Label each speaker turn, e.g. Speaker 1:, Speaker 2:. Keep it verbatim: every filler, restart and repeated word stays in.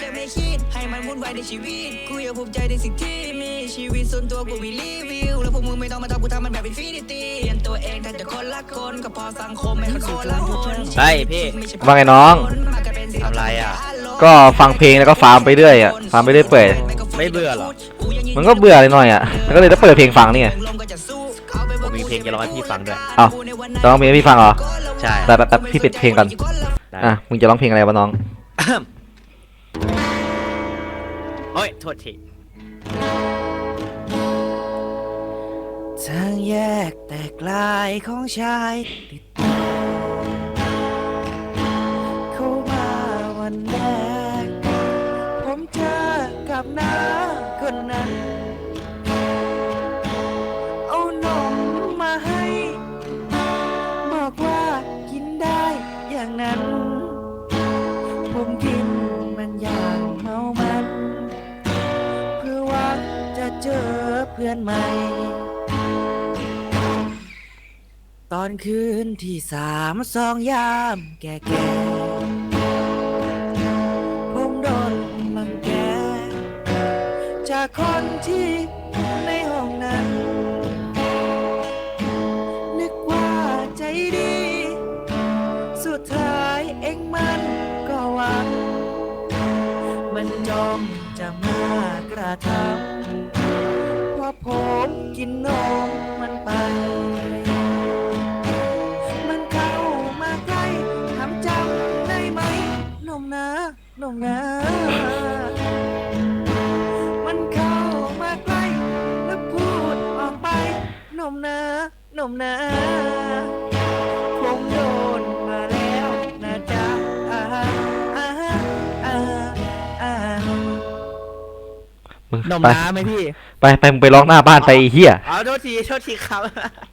Speaker 1: แค่ไม่คิดให้มันวุ่นวายในชีวิตกูอยากภูมิใจในสิ่งที่มีชีวิตส่วนตัวกูมีรีวิวแล้วพวกมึงไม่ต้องมาทำกูทำมันแบบอินฟินิตี้เปลี่ยนตัวเองแต่จะคนละคนก็พอสังคมให้มันคนละคน
Speaker 2: ใช่พี่
Speaker 3: ว่าไงน้อง
Speaker 2: ทำไรอ่ะ
Speaker 3: ก็ฟังเพลงแล้วก็ฟาร์มไปเรื่อยอ่ะฟาร์มไปเรื่อยเปื่อย
Speaker 2: ไม่เบื่อหรอ
Speaker 3: มันก็เบื่อเลยหน่อยอ่ะแล้วก็เลยต้องเปิดเพลงฟังนี่ไง
Speaker 2: ผมมีเพลงจะร้องให้พี่ฟังด้วย
Speaker 3: เอ้าจะร้องเพลงให้พี่ฟังเหรอ
Speaker 2: ใช่
Speaker 3: แต่แต่พี่ปิดเพลงก่อน
Speaker 2: ได้
Speaker 3: อ่ะมึงจะร้องเพลงอะไรวะน้อง
Speaker 2: โอ้ยโทษทีทางแยกแตกลายของชายติดต่อเข้ามาวันแรกผมเจอกับน้าคนนั้นเอานมมาให้บอกว่ากินได้อย่างนั้นผมกินมันอย่างเมามันเพื่อหวังจะเจอเพื่อนใหม่ตอนคืนที่สามสองยามแก่แก่ผมโดนลังแกจากคนที่ในห้องนั้นนึกว่าใจดีสุดท้ายเองมันก็หวังมันจอมจะมากระทำเพราะผมกินนมมันไปมันเข้ามาใกล้ทำจำได้ไหมนมนะนมนะมันเข้ามาใกล้แล้วพูดออกไปนมนะนมนะผมโดนมาแล้วนะจ๊ะอ่าอ่าอ่าอ่า
Speaker 3: มึง
Speaker 2: นม
Speaker 3: ไป
Speaker 2: น้ำไหมพี่
Speaker 3: ไปไปมึงไปร้องหน้าบ้านไปไอ้เหี้ย
Speaker 2: เอาโทษทีโทษทีครับ